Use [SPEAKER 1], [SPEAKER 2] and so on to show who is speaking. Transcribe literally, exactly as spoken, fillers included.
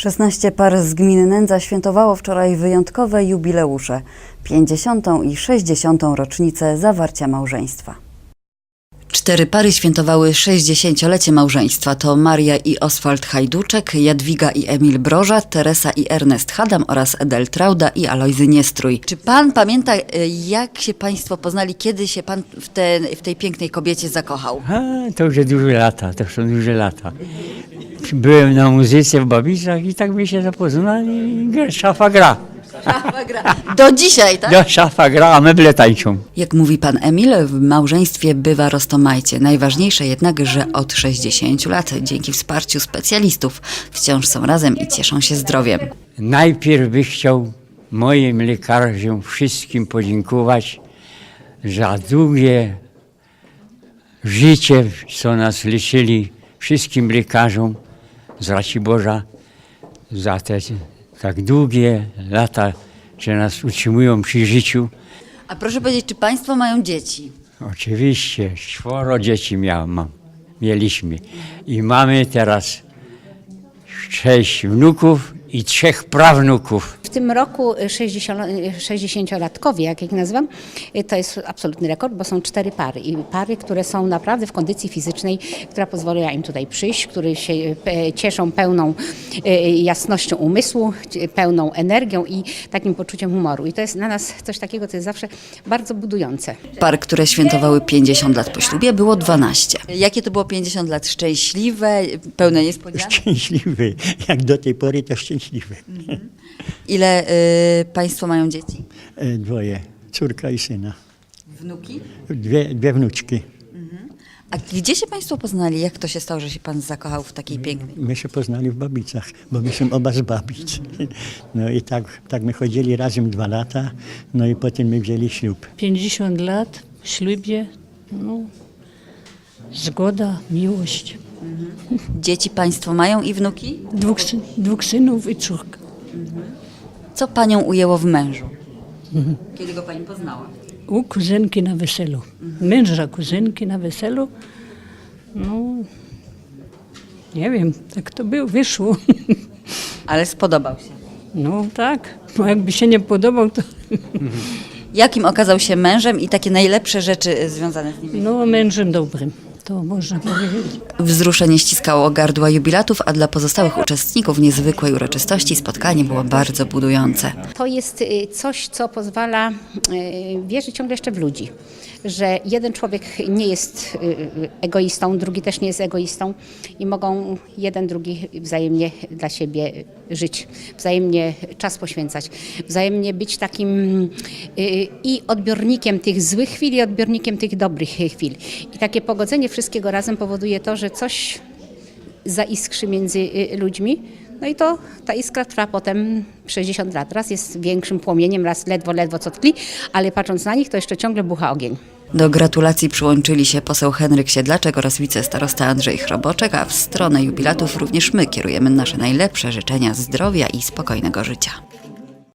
[SPEAKER 1] szesnaście par z gminy Nędza świętowało wczoraj wyjątkowe jubileusze, pięćdziesiątą i sześćdziesiątą rocznicę zawarcia małżeństwa. Cztery pary świętowały sześćdziesięciolecie małżeństwa. To Maria i Oswald Hajduczek, Jadwiga i Emil Broża, Teresa i Ernest Hadam oraz Edel Trauda i Alojzy Niestrój. Czy pan pamięta, jak się państwo poznali, kiedy się pan w, te, w tej pięknej kobiecie zakochał?
[SPEAKER 2] A, to już duże lata, to są duże lata. Byłem na muzyce w Babicach i tak my się zapoznali. Szafa gra.
[SPEAKER 1] Szafa gra. Do dzisiaj, tak?
[SPEAKER 2] Do szafa gra, a meble tańczą.
[SPEAKER 1] Jak mówi pan Emil, w małżeństwie bywa roztomajcie. Najważniejsze jednak, że od sześćdziesięciu lat, dzięki wsparciu specjalistów, wciąż są razem i cieszą się zdrowiem.
[SPEAKER 2] Najpierw bych chciał moim lekarzom wszystkim podziękować za długie życie, co nas leczyli, wszystkim lekarzom z Raciborza za te tak długie lata, że nas utrzymują przy życiu.
[SPEAKER 1] A proszę powiedzieć, czy państwo mają dzieci?
[SPEAKER 2] Oczywiście, czworo dzieci miałem, mam, mieliśmy i mamy teraz sześć wnuków i trzech prawnuków.
[SPEAKER 3] W tym roku sześćdziesięciolatkowie, jak ich nazywam, to jest absolutny rekord, bo są cztery pary. I pary, które są naprawdę w kondycji fizycznej, która pozwoliła im tutaj przyjść, które się cieszą pełną jasnością umysłu, pełną energią i takim poczuciem humoru. I to jest dla nas coś takiego, co jest zawsze bardzo budujące.
[SPEAKER 1] Par, które świętowały pięćdziesiąt lat po ślubie, było dwanaście. Jakie to było pięćdziesiąt lat? Szczęśliwe, pełne niespodzianek?
[SPEAKER 4] Szczęśliwy. Jak do tej pory to szczęśliwy.
[SPEAKER 1] Ile y, państwo mają dzieci?
[SPEAKER 4] E, Dwoje, córka i syna.
[SPEAKER 1] Wnuki?
[SPEAKER 4] Dwie, dwie wnuczki.
[SPEAKER 1] A gdzie się państwo poznali? Jak to się stało, że się pan zakochał w takiej pięknej?
[SPEAKER 4] My się poznali w Babicach, bo my są oba z Babic. No i tak, tak my chodzili razem dwa lata, no i potem my wzięli ślub.
[SPEAKER 5] pięćdziesiąt lat w ślubie, no, zgoda, miłość.
[SPEAKER 1] Dzieci państwo mają i wnuki?
[SPEAKER 5] Dwóch, syn- dwóch synów i córka.
[SPEAKER 1] Co panią ujęło w mężu? Kiedy go pani poznała?
[SPEAKER 5] U kuzynki na weselu. Męża kuzynki na weselu. No, nie wiem, tak to było, wyszło.
[SPEAKER 1] Ale spodobał się.
[SPEAKER 5] No tak, bo jakby się nie podobał, to
[SPEAKER 1] Jakim okazał się mężem i takie najlepsze rzeczy związane z nim?
[SPEAKER 5] no mężem dobrym, to można powiedzieć.
[SPEAKER 1] Wzruszenie ściskało gardła jubilatów, a dla pozostałych uczestników niezwykłej uroczystości spotkanie było bardzo budujące.
[SPEAKER 3] To jest y, coś, co pozwala y, wierzyć ciągle jeszcze w ludzi, że jeden człowiek nie jest y, egoistą, drugi też nie jest egoistą i mogą jeden, drugi wzajemnie dla siebie żyć, wzajemnie czas poświęcać, wzajemnie być takim y, i odbiornikiem tych złych chwil i odbiornikiem tych dobrych chwil. I takie pogodzenie wszystkiego razem powoduje to, że coś zaiskrzy między y, ludźmi. No i to ta iskra trwa potem sześćdziesiąt lat. Raz jest większym płomieniem, raz ledwo, ledwo co tkli, ale patrząc na nich, to jeszcze ciągle bucha ogień.
[SPEAKER 1] Do gratulacji przyłączyli się poseł Henryk Siedlaczek oraz wicestarosta Andrzej Chroboczek, a w stronę jubilatów również my kierujemy nasze najlepsze życzenia zdrowia i spokojnego życia.